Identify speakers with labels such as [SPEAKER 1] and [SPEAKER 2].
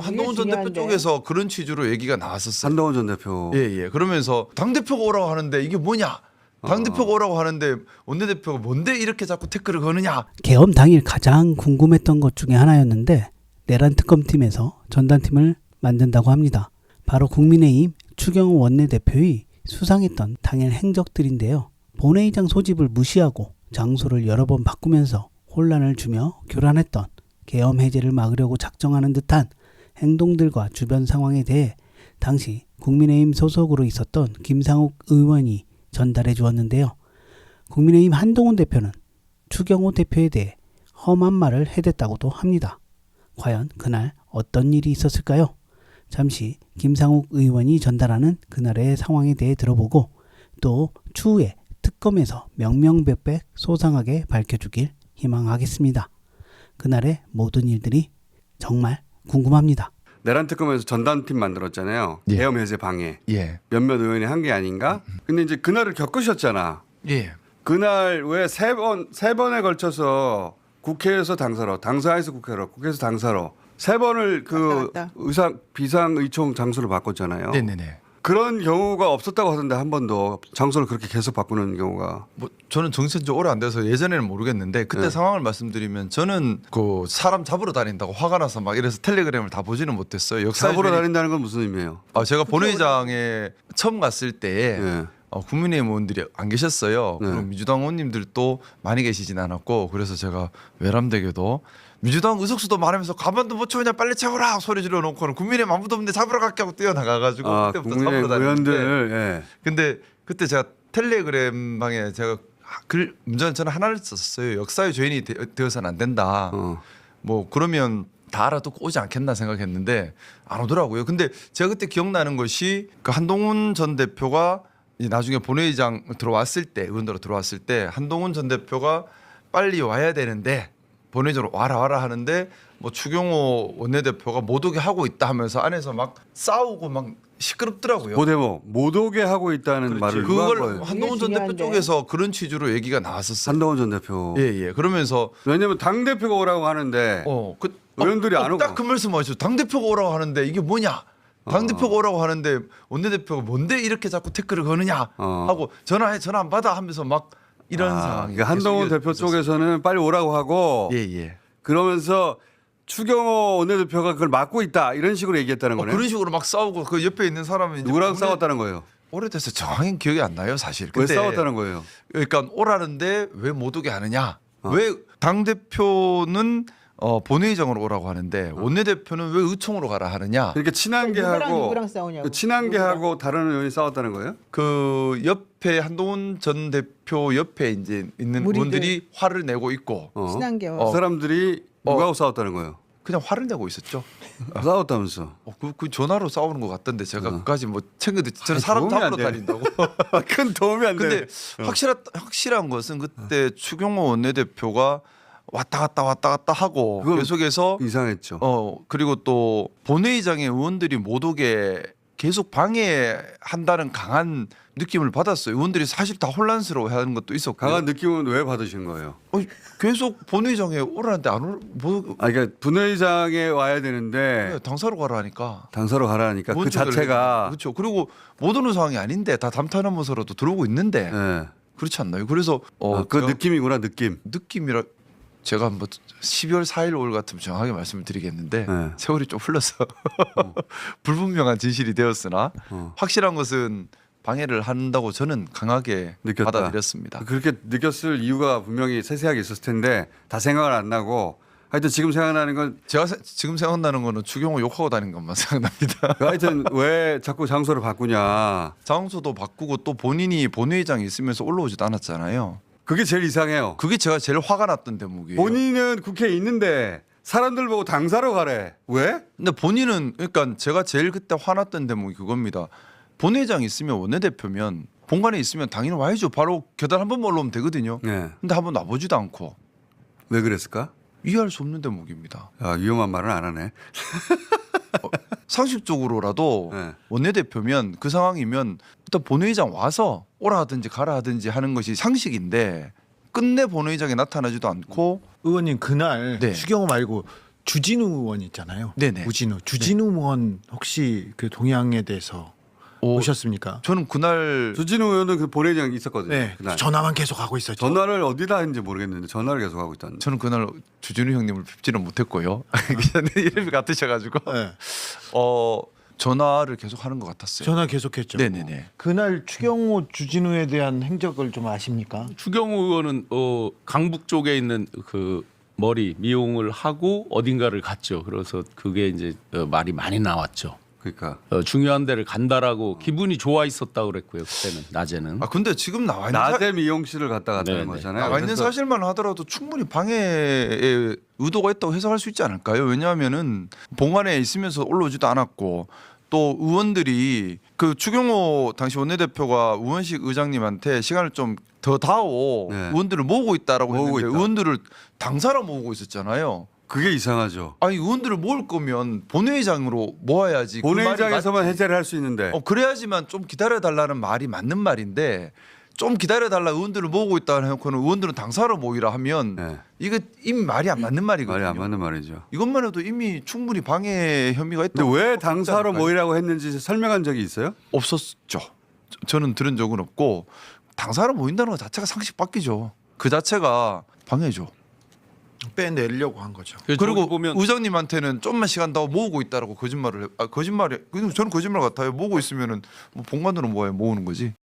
[SPEAKER 1] 한동훈 전 대표 쪽에서 그런 취지로 얘기가 나왔었어요.
[SPEAKER 2] 한동훈 전 대표.
[SPEAKER 1] 예. 그러면서 당대표가 오라고 하는데 이게 뭐냐? 당대표가 오라고 하는데 원내대표가 뭔데 이렇게 자꾸 태클을 거느냐?
[SPEAKER 3] 계엄 당일 가장 궁금했던 것 중에 하나였는데 내란 특검팀에서 전단팀을 만든다고 합니다. 바로 국민의힘 추경호 원내대표의 수상했던 당일 행적들인데요. 본회의장 소집을 무시하고 장소를 여러 번 바꾸면서 혼란을 주며 교란했던 계엄 해제를 막으려고 작정하는 듯한 행동들과 주변 상황에 대해 당시 국민의힘 소속으로 있었던 김상욱 의원이 전달해 주었는데요. 국민의힘 한동훈 대표는 추경호 대표에 대해 험한 말을 해댔다고도 합니다. 과연 그날 어떤 일이 있었을까요? 잠시 김상욱 의원이 전달하는 그날의 상황에 대해 들어보고 또 추후에 특검에서 명명백백 소상하게 밝혀주길 희망하겠습니다. 그날의 모든 일들이 정말 궁금합니다.
[SPEAKER 2] 내란 특검에서 전담팀 만들었잖아요.
[SPEAKER 1] 예.
[SPEAKER 2] 계엄 해제 방해.
[SPEAKER 1] 예.
[SPEAKER 2] 몇몇 의원이 한 게 아닌가? 근데 이제 그날을 겪으셨잖아.
[SPEAKER 1] 예.
[SPEAKER 2] 그날 왜 세 번에 걸쳐서 국회에서 당사로, 당사에서 국회로, 국회에서 당사로 세 번을 그
[SPEAKER 4] 왔다 갔다.
[SPEAKER 2] 비상의총 장소를 바꿨잖아요.
[SPEAKER 1] 네네네.
[SPEAKER 2] 그런 경우가 없었다고 하던데 한 번도 장소를 그렇게 계속 바꾸는 경우가.
[SPEAKER 1] 뭐 저는 정치한 지 오래 안 돼서 예전에는 모르겠는데 그때
[SPEAKER 2] 네.
[SPEAKER 1] 상황을 말씀드리면 저는 그 사람 잡으러 다닌다고 화가 나서 막 이래서 텔레그램을 다 보지는 못했어요. 역사에
[SPEAKER 2] 잡으러 다닌다는 건 무슨 의미예요?
[SPEAKER 1] 제가 본회의장에 처음 갔을 때에
[SPEAKER 2] 예.
[SPEAKER 1] 국민의힘 의원들이 안 계셨어요.
[SPEAKER 2] 네.
[SPEAKER 1] 그리고 민주당 의원님들도 많이 계시진 않았고 그래서 제가 외람되게도 민주당 의석수도 많으면서 가만도 못 채우냐 빨리 채워라 소리 질러놓고는 국민의힘 아무도 없는데 잡으러 갈게 하고 뛰어나가가지고 그때부터
[SPEAKER 2] 국민의
[SPEAKER 1] 잡으러 다녔는데
[SPEAKER 2] 의원들. 예.
[SPEAKER 1] 근데 그때 제가 텔레그램 방에 제가 문제는 저는 하나를 썼어요. 역사의 죄인이 되어서는 안 된다. 뭐 그러면 다 알아듣고 오지 않겠나 생각했는데 안 오더라고요. 근데 제가 그때 기억나는 것이 그 한동훈 전 대표가 나중에 본회의장 들어왔을 때 의원들로 들어왔을 때 한동훈 전 대표가 빨리 와야 되는데 본회의장으로 와라 하는데 뭐 추경호 원내대표가 못 오게 하고 있다 하면서 안에서 막 싸우고 막 시끄럽더라고요.
[SPEAKER 2] 고대모 못 오게 하고 있다는 말을 누가 한
[SPEAKER 1] 그걸
[SPEAKER 2] 거예요?
[SPEAKER 1] 한동훈 전 대표
[SPEAKER 4] 중요한데.
[SPEAKER 1] 쪽에서 그런 취지로 얘기가 나왔었어요.
[SPEAKER 2] 한동훈 전 대표.
[SPEAKER 1] 예. 그러면서
[SPEAKER 2] 왜냐면 당 대표가 오라고 하는데 의원들이 안 오고.
[SPEAKER 1] 딱 그 말씀 하셨죠. 당 대표가 오라고 하는데 이게 뭐냐? 당 대표가 오라고 하는데 원내대표가 뭔데 이렇게 자꾸 태클을 거느냐 하고 전화 안 받아 하면서 막 이런 상황이.
[SPEAKER 2] 그러니까 한동훈 대표 쪽에서는 빨리 오라고 하고
[SPEAKER 1] 예.
[SPEAKER 2] 그러면서 추경호 원내대표가 그걸 막고 있다 이런 식으로 얘기했다는 거네.
[SPEAKER 1] 그런 식으로 막 싸우고 그 옆에 있는 사람은
[SPEAKER 2] 누구랑 싸웠다는 거예요?
[SPEAKER 1] 오래돼서 정확히 기억이 안 나요, 사실.
[SPEAKER 2] 왜
[SPEAKER 1] 근데
[SPEAKER 2] 싸웠다는 거예요?
[SPEAKER 1] 그러니까 오라는데 왜 못 오게 하느냐? 왜 당 대표는 본회의장으로 오라고 하는데 원내대표는 왜 의총으로 가라 하느냐?
[SPEAKER 2] 그러니까 친한계하고
[SPEAKER 4] 누구랑 싸우냐고.
[SPEAKER 2] 그 친한계하고 다른 의원이 싸웠다는 거예요?
[SPEAKER 1] 그 옆에 한동훈 전 대표 옆에 이제 있는
[SPEAKER 4] 무리들.
[SPEAKER 1] 의원들이 화를 내고 있고
[SPEAKER 4] 친한계와
[SPEAKER 2] 그 사람들이 누구하고 싸웠다는 거예요?
[SPEAKER 1] 그냥 화를 내고 있었죠.
[SPEAKER 2] 싸웠다면서?
[SPEAKER 1] 그 전화로 싸우는 것 같던데 제가 그까지 뭐 챙겨듣. 저는
[SPEAKER 2] 아니,
[SPEAKER 1] 사람
[SPEAKER 2] 도움이 안
[SPEAKER 1] 잡으러
[SPEAKER 2] 돼.
[SPEAKER 1] 다닌다고.
[SPEAKER 2] 큰 도움이 안 돼.
[SPEAKER 1] 근데 확실한 것은 그때 추경호 원내대표가 왔다 갔다 하고
[SPEAKER 2] 그건
[SPEAKER 1] 계속해서
[SPEAKER 2] 이상했죠.
[SPEAKER 1] 그리고 또 본회의장에 의원들이 못 오게 계속 방해한다는 강한 느낌을 받았어요. 의원들이 사실 다 혼란스러워하는 것도 있었고.
[SPEAKER 2] 강한 느낌은 왜 받으신 거예요?
[SPEAKER 1] 계속 본회의장에 오라는데
[SPEAKER 2] 그러니까 분회의장에 와야 되는데
[SPEAKER 1] 당사로 가라 하니까.
[SPEAKER 2] 당사로 가라니까 그
[SPEAKER 1] 의원들을
[SPEAKER 2] 자체가
[SPEAKER 1] 그렇죠. 그리고 못 오는 상황이 아닌데 다 담탄하면서라도 들어오고 있는데
[SPEAKER 2] 네.
[SPEAKER 1] 그렇지 않나요? 그래서
[SPEAKER 2] 그
[SPEAKER 1] 제가
[SPEAKER 2] 느낌이구나 느낌.
[SPEAKER 1] 느낌이라 제가 뭐 12월 4일 올 같으면 정확하게 말씀을 드리겠는데
[SPEAKER 2] 네.
[SPEAKER 1] 세월이 좀 흘러서 불분명한 진실이 되었으나 확실한 것은 방해를 한다고 저는 강하게
[SPEAKER 2] 느꼈다.
[SPEAKER 1] 받아들였습니다.
[SPEAKER 2] 그렇게 느꼈을 이유가 분명히 세세하게 있었을 텐데 다 생각은 안 나고 하여튼 지금 생각나는 건
[SPEAKER 1] 제가 지금 생각나는 거는 추경호 욕하고 다니는 것만 생각납니다.
[SPEAKER 2] 하여튼 왜 자꾸 장소를 바꾸냐.
[SPEAKER 1] 장소도 바꾸고 또 본인이 본회의장에 있으면서 올라오지도 않았잖아요.
[SPEAKER 2] 그게 제일 이상해요.
[SPEAKER 1] 그게 제가 제일 화가 났던 대목이에요.
[SPEAKER 2] 본인은 국회에 있는데 사람들 보고 당사로 가래. 왜?
[SPEAKER 1] 근데 본인은 그러니까 제가 제일 그때 화났던 대목이 그겁니다. 본회의장에 있으면 원내대표면 본관에 있으면 당연히 와야죠. 바로 계단 한 번만 올라오면 되거든요.
[SPEAKER 2] 네.
[SPEAKER 1] 근데 한 번 와보지도 않고
[SPEAKER 2] 왜 그랬을까?
[SPEAKER 1] 이해할 수 없는 대목입니다.
[SPEAKER 2] 위험한 말은 안 하네.
[SPEAKER 1] 상식적으로라도
[SPEAKER 2] 네.
[SPEAKER 1] 원내대표면 그 상황이면 일단 본회의장 와서 오라 하든지 가라 하든지 하는 것이 상식인데 끝내 본회의장에 나타나지도 않고
[SPEAKER 5] 의원님 그날
[SPEAKER 1] 네.
[SPEAKER 5] 추경호 말고
[SPEAKER 4] 주진우 의원 있잖아요.
[SPEAKER 1] 네네.
[SPEAKER 4] 주진우 의원 혹시 그 동향에 대해서 보셨습니까?
[SPEAKER 1] 저는 그날
[SPEAKER 2] 주진우 의원은 그 본회의장에 있었거든요.
[SPEAKER 4] 네,
[SPEAKER 2] 그날.
[SPEAKER 4] 전화만 계속 하고 있었죠.
[SPEAKER 2] 전화를 어디다 했는지 모르겠는데 전화를 계속 하고 있다는.
[SPEAKER 1] 저는 그날 주진우 형님을 뵙지는 못했고요. 기자님 이름이 같으셔가지고
[SPEAKER 4] 네.
[SPEAKER 1] 전화를 계속 하는 것 같았어요.
[SPEAKER 4] 전화 계속했죠.
[SPEAKER 1] 네네네.
[SPEAKER 4] 그날 추경호 주진우에 대한 행적을 좀 아십니까?
[SPEAKER 5] 추경호 의원은 강북 쪽에 있는 그 머리 미용을 하고 어딘가를 갔죠. 그래서 그게 이제 말이 많이 나왔죠.
[SPEAKER 2] 그러니까
[SPEAKER 5] 중요한 데를 간다라고 기분이 좋아 있었다고 그랬고요. 그때는 낮에는.
[SPEAKER 1] 근데 지금 나와 있는
[SPEAKER 2] 낮에 미용실을 갔다 갔다는
[SPEAKER 5] 네네.
[SPEAKER 2] 거잖아요.
[SPEAKER 1] 나와 있는
[SPEAKER 2] 그래서
[SPEAKER 1] 사실만 하더라도 충분히 방해에 의도가 있다고 해석할 수 있지 않을까요? 왜냐하면은 봉안에 있으면서 올라오지도 않았고 또 의원들이 그 추경호 당시 원내대표가 우원식 의장님한테 시간을 좀 더 다오
[SPEAKER 2] 네.
[SPEAKER 1] 의원들을 모으고 있다라고
[SPEAKER 2] 모으고
[SPEAKER 1] 했는데
[SPEAKER 2] 있다.
[SPEAKER 1] 의원들을 당사로 모으고 있었잖아요.
[SPEAKER 2] 그게 이상하죠.
[SPEAKER 1] 아니 의원들을 모을 거면 본회의장으로 모아야지. 그 말이
[SPEAKER 2] 본회의장에서만
[SPEAKER 1] 맞지.
[SPEAKER 2] 해제를 할 수 있는데
[SPEAKER 1] 그래야지만 좀 기다려달라는 말이 맞는 말인데 좀 기다려달라 의원들을 모으고 있다 해놓고는 의원들은 당사로 모이라 하면
[SPEAKER 2] 네.
[SPEAKER 1] 이거 이미 말이 안 맞는 말이거든요.
[SPEAKER 2] 말이 안 맞는 말이죠.
[SPEAKER 1] 이것만 해도 이미 충분히 방해 혐의가 있다.
[SPEAKER 2] 근데 왜 당사로 모이라고 했는지 설명한 적이 있어요?
[SPEAKER 1] 없었죠. 저는 들은 적은 없고 당사로 모인다는 것 자체가 상식 바뀌죠. 그 자체가 방해죠.
[SPEAKER 4] 빼내려고 한 거죠.
[SPEAKER 1] 그리고
[SPEAKER 5] 보면
[SPEAKER 1] 의장님한테는 좀만 시간 더 모으고 있다라고 거짓말을 거짓말이 저는 거짓말 같아요. 모으고 있으면은 뭐 본관으로 모아야 모으는 거지.